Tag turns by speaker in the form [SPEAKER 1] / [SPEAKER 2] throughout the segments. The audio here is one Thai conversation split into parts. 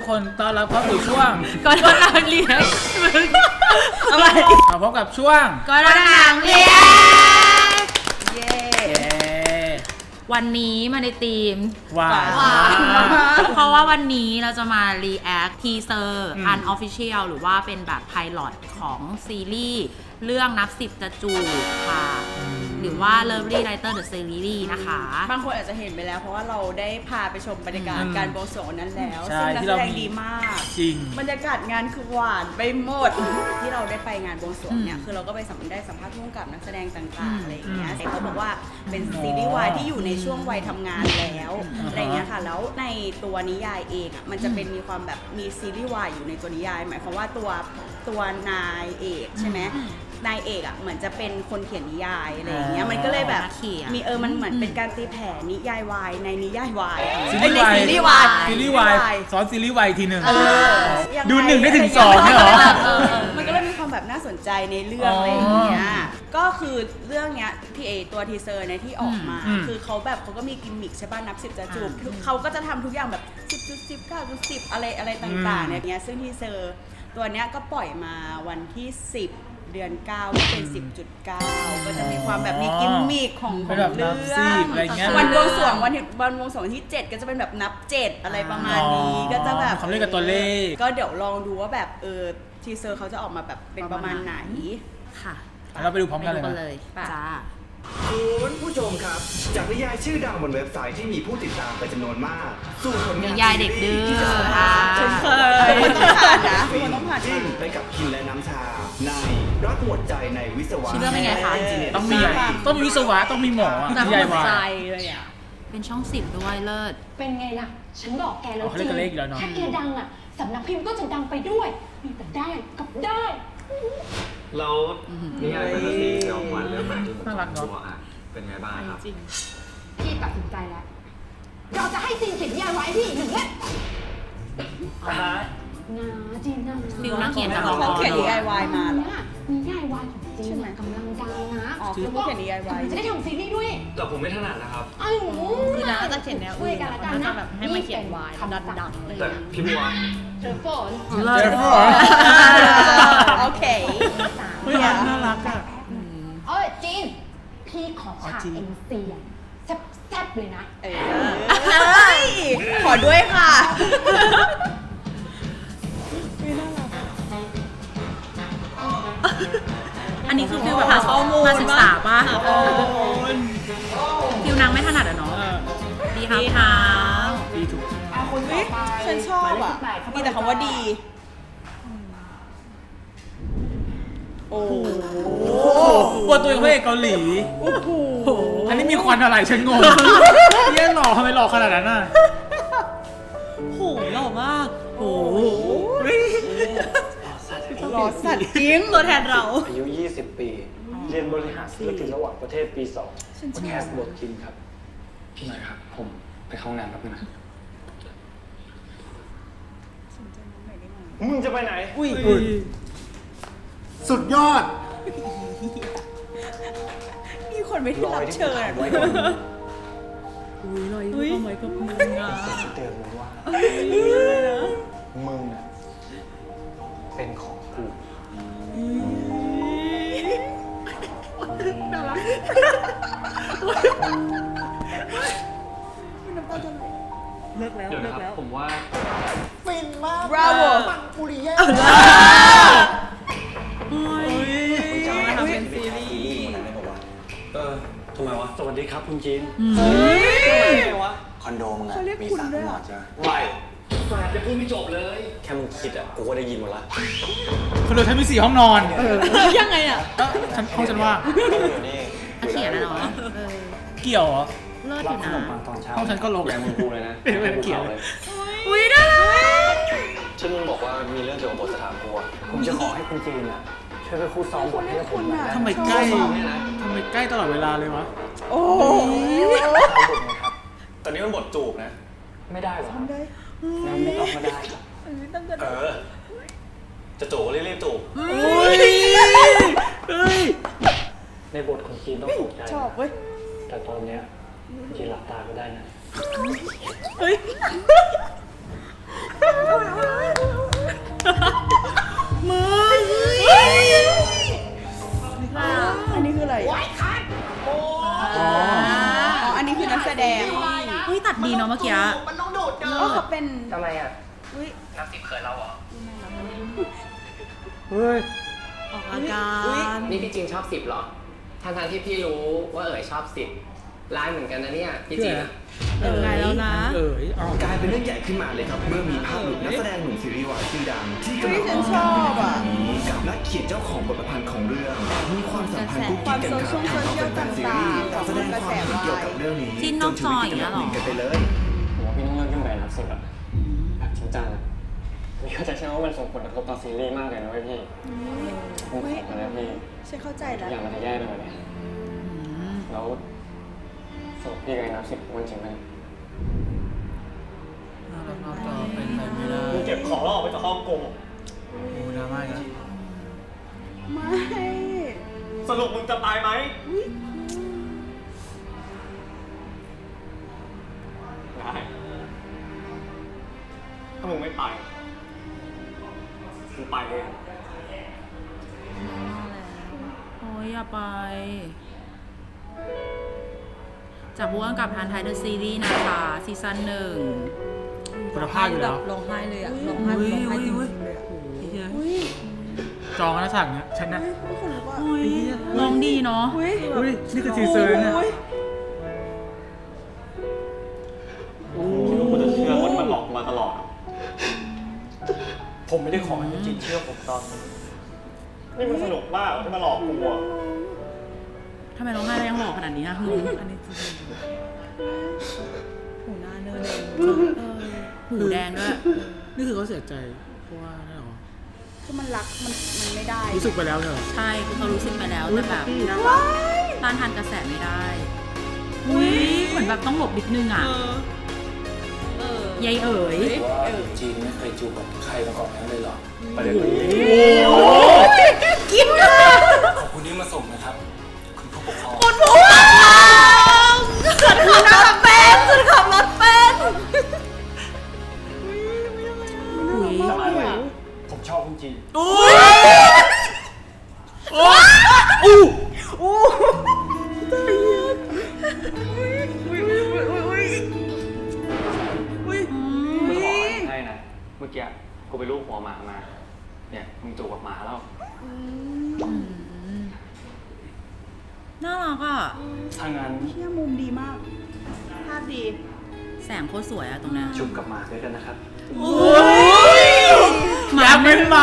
[SPEAKER 1] คนต้อนรับเข้าสู่ช่วง
[SPEAKER 2] ก็โดนนางเลี้ยงอะไร
[SPEAKER 1] พบกับช่วง
[SPEAKER 2] ก็โดนนางเลี้ยง
[SPEAKER 1] เย้
[SPEAKER 2] วันนี้มาในธีม
[SPEAKER 1] หวาน
[SPEAKER 2] เพราะว่าวันนี้เราจะมา react teaser unofficial หรือว่าเป็นแบบ pilot ของซีรีส์เรื่องนับสิบจะจูบค่ะ หรือว่า Lovely Writer the Series นะคะ
[SPEAKER 3] บางคนอาจจะเห็นไปแล้วเพราะว่าเราได้พาไปชมบรรยากาศการบวงสรวงนั้นแล้ว
[SPEAKER 1] ใช่
[SPEAKER 3] ซึ่งนัก
[SPEAKER 1] ที่
[SPEAKER 3] แส
[SPEAKER 1] เรา
[SPEAKER 3] ดง
[SPEAKER 1] มี
[SPEAKER 3] ดีมาก
[SPEAKER 1] จริง
[SPEAKER 3] บรรยากาศงานคือหวานไปหมดที่เราได้ไปงานบวงสรวงเนี่ยคือเราก็ไปได้สัมภาษณ์ร่วมกับนักแสดงต่างๆอะไรอย่างเงี้ยเขาบอกว่าเป็นซีรีส์วายที่อยู่ในช่วงวัยทำงานแล้วอะไรเงี้ยค่ะแล้วในตัวนิยายเองอ่ะมันจะเป็นมีความแบบมีซีรีส์วายอยู่ในตัวนิยายหมายความว่าตัวนายเอกใช่ไหมนายเอกอ่ะเหมือนจะเป็นคนเขียนนิยายอะไรอย่างเงี้ยมันก็เลยแบบมีมันเหมือนเป็นการตีแผ่นิยายวายในนิยายวาย
[SPEAKER 1] ซีรีส์วาย
[SPEAKER 3] ซีรีส์วาย
[SPEAKER 1] ซีรีส์วายซ้อนซีรีส์วายทีหนึ่ง
[SPEAKER 3] ยังไง
[SPEAKER 1] ดู1ได้ถึง2เนี่ยเหรอ
[SPEAKER 3] มันก็เลยมีความแบบน่าสนใจในเรื่องอะไรอย่างเงี้ยก็คือเรื่องเนี้ยที่ตัวทีเซอร์เนี่ยที่ออกมา คือเขาก็มีกิมมิคใช่ป่ะนับ10จะจูบเขาก็จะทำทุกอย่างแบบ10.10 9.10อะไรต่างๆเนี่ยซึ่งทีเซอร์ตัวเนี้ยก็ปล่อยมาวันที่10 เดือน 9 ก็เป็น 10.9 ก็จะมีความแบบมีกิมมิคของ
[SPEAKER 1] เป็นแบบ
[SPEAKER 3] เรื่
[SPEAKER 1] นั
[SPEAKER 3] อบ
[SPEAKER 1] สิ
[SPEAKER 3] ง
[SPEAKER 1] บอะไรเงี้ย
[SPEAKER 3] วันบวงสรวงที่ 7 ก็จะเป็นแบบนับ 7 อะไรประมาณนี้ก็จะแบบ
[SPEAKER 1] เขาเล่นกับตัวเลข
[SPEAKER 3] ก็เดี๋ยวลองดูว่าแบบทีเซอร์เขาจะออกมาแบบเป็นประมาณไหน
[SPEAKER 2] ค่ะ
[SPEAKER 1] เราไปดูพร้อมกันเลย
[SPEAKER 2] ไปดู
[SPEAKER 1] นะ
[SPEAKER 2] เลยจ้า
[SPEAKER 4] คุณผู้ชมครับ จากนิยายชื่อดังบนเว็บไซต์ที่มีผู้ติดตามเป็นจำนวนมากสู่ผลงาน
[SPEAKER 2] นิยายเด็กดื้อ
[SPEAKER 4] ที่จะสามารถ
[SPEAKER 3] ฉันเคยมันต้องผ่านนะมันต้องผ่าน
[SPEAKER 4] จิ้มไปกับคินและน้ำชาในรักหมดใจในวิศวะ
[SPEAKER 2] ชื่อเรื่องเป็นไงคะ
[SPEAKER 1] ต้องมีวิศวะต้องมีหมอนิยายวาย
[SPEAKER 3] เลยอ่ะ
[SPEAKER 2] เป็นช่อง10ด้วยเลิศ
[SPEAKER 5] เป็นไงล่ะ ฉันบอกแกแล้ว
[SPEAKER 1] เขาเล่นกับเลขอีกแล้วเนอะ
[SPEAKER 5] ถ้าแกดังอ่ะ สำนักพิมพ์ก็จะดังไปด้วย มีแต่ได้กับได้
[SPEAKER 6] แล้วนิยายแฟนตาซีที่ออกมาเรื่องใหม่ที่ผม
[SPEAKER 1] น่ารักเนอะ
[SPEAKER 6] ตัวอ่ะเป็นไงบ้างครับ
[SPEAKER 5] พี่ตัดสินใจแล้ว เราจะให้ซีนเขียนนิยายไว้พี่หนึ่งเล่มนะจีนนะ
[SPEAKER 2] ฟิลนักเขียนจาก
[SPEAKER 3] เขาเขียนนิยายวายมาเหรอ
[SPEAKER 5] นิยายวายของจีนน่ะกำลังดังนะ
[SPEAKER 3] อ๋อคือผู้เขียนนิยายวาย
[SPEAKER 5] จะได้ทำซีรีส์ด้วย
[SPEAKER 6] แต่ผมไม่ถนัดนะครับ
[SPEAKER 5] อ้าว
[SPEAKER 7] คือน้าจะเขียนแนวอื่น
[SPEAKER 5] ช่วยกันละกัน
[SPEAKER 7] น้า
[SPEAKER 5] นะ
[SPEAKER 7] จะแบบให้มาเขียนวายแล้วดังๆเลย
[SPEAKER 6] แต่พี่บัว
[SPEAKER 5] เจอฝน
[SPEAKER 2] เลิศ
[SPEAKER 3] โอเค
[SPEAKER 1] เฮ้ยน่ารักอ่ะ
[SPEAKER 5] จีน พี่ขอฉาก
[SPEAKER 1] จีน
[SPEAKER 5] เอ็นซีอะแซ่บๆเลยนะ
[SPEAKER 3] ขอด้วยค่ะ
[SPEAKER 2] อันนี้คือฟิลแบบมาศึกษาป่ะฟิลนางไม่ถนัดอะเนาะดีครับค่ะ
[SPEAKER 1] ดีถูก
[SPEAKER 3] ฉันชอบอ่ะ มีแต่คำว่าดี โอ้โห
[SPEAKER 1] ปวดตัวพระเอกเกาหลีอันนี้มีควันอะไรฉันงงเยี่ยหล่อทำไมหล่อขนาดนั้นน่ะ
[SPEAKER 7] โหหล่อมาก
[SPEAKER 1] โอ้โห
[SPEAKER 3] หล่อสัตว์จริง
[SPEAKER 7] ตัวแทนเรา
[SPEAKER 8] อายุ 20 ปี เรียนบริหารธุรกิจระหว่างประเทศปี 2 แคสบทคินครับ
[SPEAKER 6] พี่หน่อยครับ
[SPEAKER 8] ผมไปเข้าห้องน้ำแป๊บนึงนะ มึงจะไปไหน
[SPEAKER 1] อุ้ย
[SPEAKER 9] สุดยอด
[SPEAKER 3] มีคนไม่ได้รับเชิญ
[SPEAKER 8] ไว้ก่อน
[SPEAKER 7] อุ้ยทำไมก็มึงอ่ะ
[SPEAKER 8] เตือนมึงว่า มึงอะเป็นของกู
[SPEAKER 7] เลิกแล้ว
[SPEAKER 6] เดี๋ยว
[SPEAKER 7] เลิ
[SPEAKER 6] นะ
[SPEAKER 7] ก
[SPEAKER 6] ครั
[SPEAKER 7] แล้
[SPEAKER 6] บ
[SPEAKER 7] ว
[SPEAKER 6] ผมว่า
[SPEAKER 9] ฟินมาก
[SPEAKER 3] บราโว
[SPEAKER 9] ปังปุริเย่
[SPEAKER 7] มาทำเป็นซีรีส์
[SPEAKER 8] ทำไมวะ สวัสดีครับคุณจีน คอนโดมึงอะมีสระหมอดใช่ไหม
[SPEAKER 6] ไม่แฟนจะพูดไม่จบเลย
[SPEAKER 8] แค่มึงคิดอะกูก็ได้ยินหมดละ
[SPEAKER 1] คนดูฉันมี4 ห้องนอน
[SPEAKER 7] ยังไงอ่ะ
[SPEAKER 1] ห้องฉันว่าง
[SPEAKER 8] นี่
[SPEAKER 2] นักเขียนนะเนาะ
[SPEAKER 1] เกี่ยวเหรอ
[SPEAKER 2] เลิศอ
[SPEAKER 8] รับ
[SPEAKER 2] ยู่
[SPEAKER 8] ขนม
[SPEAKER 2] นะ
[SPEAKER 8] ปังตอนเช้า
[SPEAKER 1] ห้องฉันก็รก
[SPEAKER 8] แรงมึงกูเลยนะ
[SPEAKER 1] เป็นเขียว
[SPEAKER 8] เลย
[SPEAKER 2] อุ้ยน่ารัก
[SPEAKER 8] ซึ่งมึงบอกว่ามีเรื่องเกี่ยวกับบทจะถามกูอะผมจะขอให้คุณจีนอะช่วยไปคู่ซ้อมบทให้กับผมหน่อยนะ
[SPEAKER 1] ทำไมใกล้ทำไมใกล้ตลอดเวลาเลยวะ
[SPEAKER 3] โอ้
[SPEAKER 8] ครับตอนนี้มันบทจูบนะ ไม่ได้หรองั้นไม่ต้องก็ได้ครับจะจูบก็รีบๆจูบ
[SPEAKER 1] อุ้ยเฮ้ย
[SPEAKER 8] ในบทของจีนต้องตกใจ
[SPEAKER 3] ชอบเว้ย
[SPEAKER 8] แต่ตอนเนี้ยจีนหลับตาก็ได้นะ
[SPEAKER 2] มือ
[SPEAKER 3] อันนี้คืออะไรอ๋ออันนี้คือนักแสดง
[SPEAKER 2] เฮ้ยตัดดีเนาะเมื่อกี้
[SPEAKER 9] มันต้องดูดเกิน
[SPEAKER 3] ก็เขาเป็น
[SPEAKER 6] ทำไมอ่ะ
[SPEAKER 3] อุ้ย
[SPEAKER 6] นับสิบเขินเราเหรอ
[SPEAKER 1] เฮ้ย
[SPEAKER 2] ออกอาการ
[SPEAKER 6] นี่พี่จริงชอบสิบเหรอทั้งที่พี่รู้ว่าชอบสิบร้ายเหมือนกันนะเนี่ยพี่จริงอะ
[SPEAKER 2] ไงแล้วนะ
[SPEAKER 1] เอา
[SPEAKER 4] กลายเป็นเรื่องใหญ่ขึ้นมาเลยครับ เมื่อมีภาพหลุดนักแสดงหนุ่มซีรีส์วายชื่อดังที่กำลัง
[SPEAKER 3] ฉันชอบอ่ะ
[SPEAKER 4] กับนักเขียนเจ้าของบทประพันธ์ของเรื่องมีความสัมพันธ์กุ๊กกิ๊กกันครับ
[SPEAKER 3] ความโซเชียล
[SPEAKER 4] แฟนซีรีส์แสดงความเห็นเกี่ยวกับเรื่องนี้
[SPEAKER 2] จิ้นนอกจออย่างเงี้ยเหรอ
[SPEAKER 4] จนชีวิตติดอันดับหนึ่งกันไปเลย
[SPEAKER 8] ผมว่าพี่ต้องเลิกยุ่งกับนับสิบอะแบบจริงจังอะนี่เข้าใจใช่ไหมว่ามันส่งผลกระทบต่อซีรีส์มากเลยนะเว้ยพี่ผมขอนะพี่
[SPEAKER 3] ฉันเข้าใจ
[SPEAKER 8] ทุ
[SPEAKER 3] แล้ว
[SPEAKER 8] กอย่างมันจะแย่ไปหมดเลยแล้วสรุปพี่กับไอ้นับสิบมันจริงไหม
[SPEAKER 1] นอกจอเป็นไปไม่ได้
[SPEAKER 8] มึงเก็บของแล้วออกไปจากห้องกู
[SPEAKER 1] โอ้ดราม่าอีกแล้ว
[SPEAKER 3] ไม่
[SPEAKER 8] สรุปมึงจะตายไหมได้ถ้ามึงไม่ไปมึงไปเลย
[SPEAKER 2] โอ้ยอย่าไป จากผู้กำกับทันไทยเดอะซีรีส์นะคะซีซั่น1
[SPEAKER 1] คุณภาพอยู่แล้ว
[SPEAKER 7] ร้องไห้เลยอะร้องไห้ร้องไห้จริงๆเลยอะ
[SPEAKER 3] อุ้ย
[SPEAKER 1] จองกันแล้วฉากเนี้ยฉันนะ
[SPEAKER 3] ไม่คนรู้ว่า
[SPEAKER 2] โอ้ยร้องดีเนาะ
[SPEAKER 3] อุ้ย
[SPEAKER 1] อุ้ยนี่คือทีเซอร์เนี่ย
[SPEAKER 8] ไม่รู้กูจะเชื่อว่ามันหลอกมาตลอด ผมไม่ได้ขอให้จริงเชื่อผมตอนนี้นี่มันสนุกมากที่มาหลอกกูอะ
[SPEAKER 2] ทำไมร้องไห้แล้วยังหล่อขนาดนี้อะงง
[SPEAKER 7] อันนี้จริงๆหูหน้าเนินเลย
[SPEAKER 2] หูแดงด้วย
[SPEAKER 1] นี่คือเขาเสียใจเพราะว่านั่นหรอ
[SPEAKER 3] คือมันรักมันไม่ได้
[SPEAKER 1] รู้สึกไปแล้วเนี่ยเหรอ
[SPEAKER 2] ใช่คือเขารู้สึกไปแล้วแต่แบบต้านทานกระแสไม่ได้อุ้ยเหมือนแบบต้องหลบนิดนึงอ่ะยายเอ๋ย
[SPEAKER 8] ว่าจีนไม่เคยจูบกับใครมาก่อนนั้นเลยเหรอประเด็นนี้
[SPEAKER 2] กินค่ะ
[SPEAKER 8] ขอบคุณที่มาส่งนะครับ คุณผู้ปกครอง
[SPEAKER 2] คุณผู้ชมสุดขับรถเป็นสุดขับรถเป็นอุ้ย
[SPEAKER 8] สบายไหมผมชอบคุณจีน
[SPEAKER 1] อุ้ยโอ้อู้
[SPEAKER 8] กูจะบอกอะไรให้นะ เมื่อกี้กูไปลูบหัวหมามา เนี่ยมึงจูบกับหมาแล้ว
[SPEAKER 2] น่ารักอ่ะ
[SPEAKER 8] ถ้างั้น
[SPEAKER 3] เที่ยมุมดีมาก ภาพดี
[SPEAKER 2] แสงโคตรสวยอะตรงเนี้ย
[SPEAKER 8] จูบกับหมาด้วยกันนะครับ
[SPEAKER 1] อยากเป็นหมา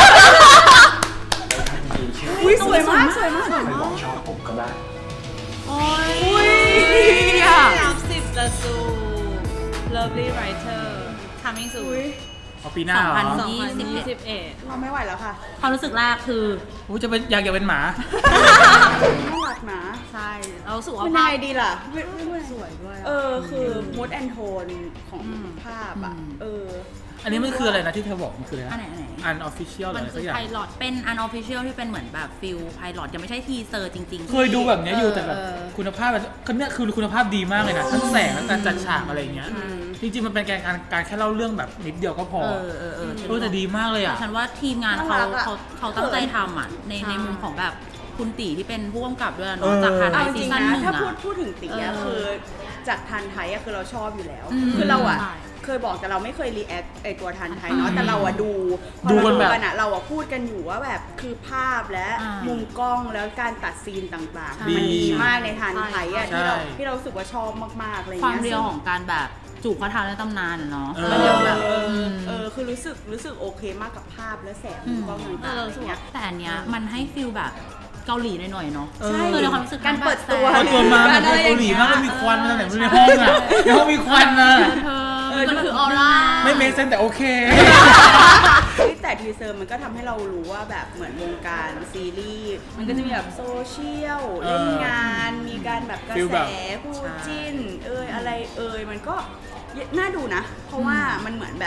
[SPEAKER 8] ถ้าคุณจีนเชื่อ
[SPEAKER 3] อุ้ยสวยมากสวยมาก
[SPEAKER 8] ไม่บอกชอบผมก็ได้
[SPEAKER 2] โอ้ยนับสิบจะจู Lovely Writer Coming soon
[SPEAKER 1] เอาปีหน้าเหรอ
[SPEAKER 2] 2021
[SPEAKER 3] เราไม่ไหวแล้วค่ะ
[SPEAKER 2] ความรู้สึกแรกคือ
[SPEAKER 1] อู้จะเป็นอยากเป็นหมา
[SPEAKER 3] น่ารักนะ
[SPEAKER 2] ใช่เรารู้สึกว่า
[SPEAKER 3] เป็น
[SPEAKER 2] ภา
[SPEAKER 3] ไง
[SPEAKER 2] พ
[SPEAKER 3] ดีล่ะ
[SPEAKER 7] สวยด้วย
[SPEAKER 3] คือมูดแอนโทนของภาพอ่ะ
[SPEAKER 1] อันนี้มันคืออะไรนะที่เธอบอกมันคืออะไร
[SPEAKER 2] อัน
[SPEAKER 1] นะ
[SPEAKER 2] ไหน
[SPEAKER 1] อันออฟฟิเชียลหรื
[SPEAKER 2] มั
[SPEAKER 1] อน อะไร
[SPEAKER 2] คื
[SPEAKER 1] สั
[SPEAKER 2] อก
[SPEAKER 1] อย่าง
[SPEAKER 2] ไพลอตเป็น unofficial ที่เป็นเหมือนแบบฟิลไพลอตยังไม่ใช่ทีเซอร์จริงๆ
[SPEAKER 1] เคยดูแบบเนี้ยอยู่แต่แบบคุณภาพแบบคือเนี่ยคือคุณภาพดีมากเลยนะทั้งแสงและการจัดฉากอะไรอย่างเงี้ยจริงๆมันเป็นการแค่เล่าเรื่องแบบนิดเดียวก็พอแต่ดีมากเลยอ่ะ
[SPEAKER 2] ฉันว่าทีมงานเขาตั้งใจทำอ่ะในมุมของแบบคุณตีที่เป็นผู้กำกับด้วยเนาะจากทาง
[SPEAKER 3] เอาจ
[SPEAKER 2] ซี
[SPEAKER 3] ริง
[SPEAKER 2] ซั่น
[SPEAKER 3] ๆ
[SPEAKER 2] ห
[SPEAKER 3] นะ
[SPEAKER 2] นึ่ง
[SPEAKER 3] ถ้า
[SPEAKER 2] อ่ะ
[SPEAKER 3] พูดถึงตีอะคือจากทันไทยอะคือเราชอบอยู่แล้ว
[SPEAKER 2] อืม
[SPEAKER 3] คือเราอะ
[SPEAKER 2] ใช่
[SPEAKER 3] เคยบอกแต่เราไม่เคยรีแอคไอตัวทันไทยเนาะแต่เราอะดูพอ
[SPEAKER 1] ดู
[SPEAKER 3] เรา
[SPEAKER 1] กัน
[SPEAKER 3] ดู
[SPEAKER 1] แบบ
[SPEAKER 3] กันอะเราอะพูดกันอยู่ว่าแบบคือภาพและ
[SPEAKER 2] อ่ามุ
[SPEAKER 3] มุมกล้องแล้วการตัดซีนต่าง
[SPEAKER 2] ใช่
[SPEAKER 3] ๆ มันดีมากในทันไทยอะ
[SPEAKER 1] ใช่
[SPEAKER 3] ที่เรารู้สึกว่าชอบมากๆอะไร
[SPEAKER 2] ความ
[SPEAKER 3] เงี้ย
[SPEAKER 2] เรียวของการแบบจูบพระเท้าในตำนานอะเนาะ
[SPEAKER 1] เออ
[SPEAKER 2] มันยังแบบ
[SPEAKER 3] คือรู้สึกโอเคมากกับภาพและแสงมุมกล้องต่างๆอะไรเงี้ย
[SPEAKER 2] แต่อันเนี้ยมันให้ฟิลแบบเกาหลีหน่อยๆเนาะ
[SPEAKER 3] ใช่
[SPEAKER 2] คือในความรู้สึก
[SPEAKER 3] การเปิดตัว
[SPEAKER 2] แบบ
[SPEAKER 1] เอาตัวมาแบบเกาหลีมากแล้วมีควันมาจากไหนไม่รู้ในห้องอ่ะในห้องมีควันอ่ะ
[SPEAKER 2] มันคือออร่า
[SPEAKER 1] ไม่เมคเซนแต่โอเค
[SPEAKER 3] แต่ทีเซอร์มันก็ทำให้เรารู้ว่าแบบเหมือนวงการซีรีส์มันก็จะมีแบบโซเชียลเล่นงานมีการแบบกระ
[SPEAKER 1] ฟีล
[SPEAKER 3] แส
[SPEAKER 1] แบบ
[SPEAKER 3] คู่จิ้นอะไรมันก็น่าดูนะ เพราะว่ามันเหมือนแบบ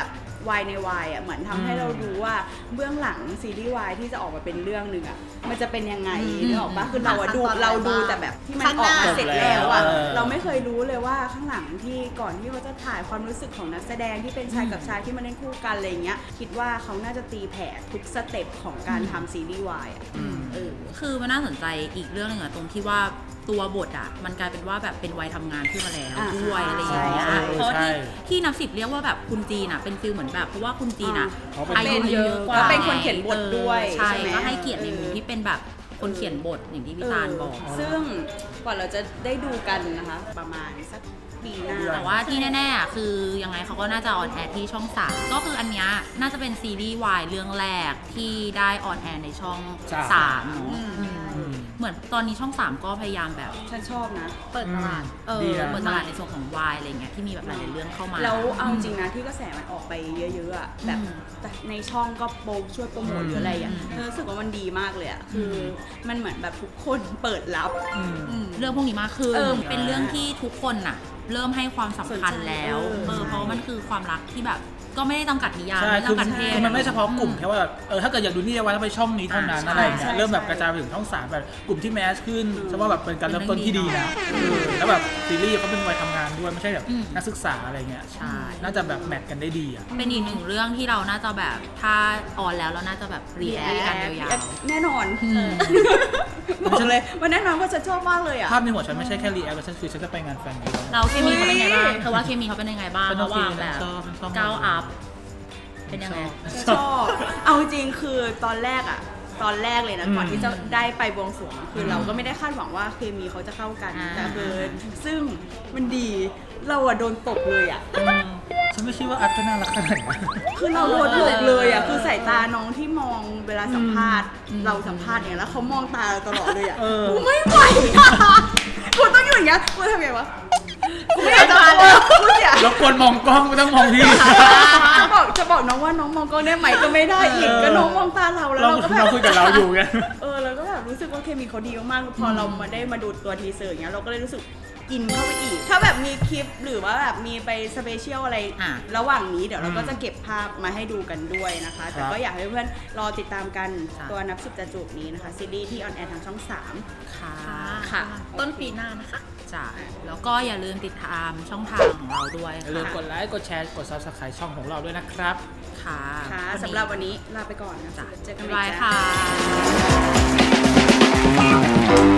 [SPEAKER 3] วายในวายอ่ะเหมือนทำให้เรารู้ว่าเบื้องหลังซีรีส์วายที่จะออกมาเป็นเรื่องหนึ่งอ่ะมันจะเป็นยังไงนึกออกปะคือเราอะดูแต่แบบที่มันออกมาเสร็จแล้วอ่ะเราไม่เคยรู้เลยว่าข้างหลังที่ก่อนที่เขาจะถ่ายความรู้สึกของนักแสดงที่เป็นชายกับชายที่มาเล่นคู่กันอะไรเงี้ยคิดว่าเขาน่าจะตีแผ่ทุกสเต็ปของการทำซีรีส์วายอ่ะ
[SPEAKER 2] คือมันน่าสนใจอีกเรื่องหนึงอะตรงที่ว่าตัวบทอะมันกลายเป็นว่าแบบเป็นวัยทำงานขึ้นมาแล้วด้วยอะไรอย่างเงี้ยเพราะที่นับ10เรียกว่าแบบคุณจีนอะเป็นฟิลเหมือนแบบเพราะว่าคุณจีนอะอายุเยอะกว่า
[SPEAKER 3] แล้วเป็นคนเขียนบทด้วย
[SPEAKER 2] ใช่
[SPEAKER 3] ใช่ไหม
[SPEAKER 2] ก็ให้เกียรติในมุมที่เป็นแบบคนเขียนบทอย่างที่พี่ตาลบอก
[SPEAKER 3] ซึ่งกว่าเราจะได้ดูกันนะคะประมาณสักปีหน้า
[SPEAKER 2] แต่ว่าที่แน่ๆอะคือยังไงเขาก็น่าจะออนแอร์ที่ช่อง3ก็คืออันเนี้ยน่าจะเป็นซีรีส์วายเรื่องแรกที่ได้ออนแอร์ในช่อง3เนาะเหมือนตอนนี้ช่อง3ก็พยายามแบบ
[SPEAKER 3] ฉันชอบนะ
[SPEAKER 2] เปิดตลาดเปิดตลาดในส่วนของวายอะไรเงี้ยที่มีแบบหลายๆเรื่องเข้ามา
[SPEAKER 3] แล้วเอาจริงนะที่กระแสมันออกไปเยอะๆอะแบบในช่องก็ช่วยโปรโมทหรืออะไรอ่ะรู้สึกว่ามันดีมากเลยอ่ะคือมันเหมือนแบบทุกคนเปิดรับ
[SPEAKER 2] เรื่องพวกนี้มากขึ้นเป็นเรื่องที่ทุกคนน่ะเริ่มให้ความสำคัญแล้วเพราะมันคือความรักที่แบบก็ไม่ได้จำกัดนิยาม
[SPEAKER 1] ใช่
[SPEAKER 2] ไม่
[SPEAKER 1] คือ
[SPEAKER 2] จำกัดเพศ
[SPEAKER 1] มันไม่เฉพาะกลุ่มแค่ว่าแบบถ้าเกิดอยากดูนี่ไว้ต้องไปช่องนี้เท่านั้นอะไรอย่างเงี้ยเริ่มแบบกระจายไปถึงช่อง3แบบกลุ่มที่แมสขึ้นใช่ว่าแบบเป็นการเริ่มต้นที่ดีนะแล้วแบบซีรีส์เขาเป็นวัยทำงานด้วยไม่ใช่แบบนักศึกษาอะไรเงี้ย
[SPEAKER 2] ใช่
[SPEAKER 1] น่าจะแบบแมทกันได้ดีอ่ะ
[SPEAKER 2] เป็นอีกหนึ่งเรื่องที่เราน่าจะแบบถ้าออนแล้วเราน่าจะแบบรีแอคกันยาว
[SPEAKER 3] แน่นอนบอกเลยว่าแน่นอนว่าฉันชอบมากเลยอ่ะ
[SPEAKER 1] ภาพในหัวฉันไม่ใใช่แค่รีแอคฉันคือฉันจะไปงานแฟนมีต
[SPEAKER 2] ๆเราเคมีเขาเป็นไงบ้างเธอว่าเคมีเขาเป็นยังไงบ้าง
[SPEAKER 1] เป็นโอ
[SPEAKER 2] ระห
[SPEAKER 1] เค
[SPEAKER 2] ว่างแบบ
[SPEAKER 1] ชอบ
[SPEAKER 2] ก้าวอัพเป็นยังไง
[SPEAKER 3] ชอบเอาจริงคือตอนแรกเลยนะก่อนที่จะได้ไปบวงสรวงคือเราก็ไม่ได้คาดหวังว่าเคมีเขาจะเข้ากันแต่คือซึ่งมันดีเราอะโดนตกเลยอะ
[SPEAKER 1] ฉันไม่คิดว่าอัพจะน่ารักขนาดนั้น
[SPEAKER 3] คือเราโดนตกเลยอะคือสายตาน้องที่มองเวลาสัมภาษณ์เราสัมภาษณ์เนี่ยแล้วเขามองตาเราตลอดเลยอะกูไม่ไหวอะกูต้องอยู่อย่างเงี้ยกูทำไงวะกูไม่อยากจะมาเลยกูเสีย
[SPEAKER 1] รบกวนมองกล้องไม่ต้องมองพี่
[SPEAKER 3] จะบอกน้องว่าน้องมองกล้องได้ไหมก็ไม่ได้อีกก็น้องมองตาเราแล้วเราก็แบบ
[SPEAKER 1] เราคุยกับเราอยู่ไง
[SPEAKER 3] เราก็แบบรู้สึกว่าเคมีเขาดีมากๆพอเรามาได้มาดูตัวทีเซอร์อย่างเงี้ยเราก็เลยรู้สึกอินเข้าไปอีก ถ้าแบบมีคลิปหรือว่าแบบมีไปสเปเชียลอะไรระหว่างนี้เดี๋ยวเราก็จะเก็บภาพมาให้ดูกันด้วยนะคะแต่ก็อยากให้เพื่อนรอติดตามกันตัวนับ10จะจูบนี้นะคะซีรีส์ที่ออนแอร์ทางช่อง3ค่ะ
[SPEAKER 2] ต้นปีหน้านะคะจ้ะแล้วก็อย่าลืมติดตามช่องทางของเราด้วย
[SPEAKER 1] อย่าลืมกดไลค์กดแชร์กด Subscribe ช่องของเราด้วยนะครับ
[SPEAKER 2] ค่ะ
[SPEAKER 3] สำหรับวันนี้ลาไปก่อนนะจ๊ะเจอกันใหม่
[SPEAKER 2] บาย
[SPEAKER 3] จ้ะ
[SPEAKER 2] ค่ะ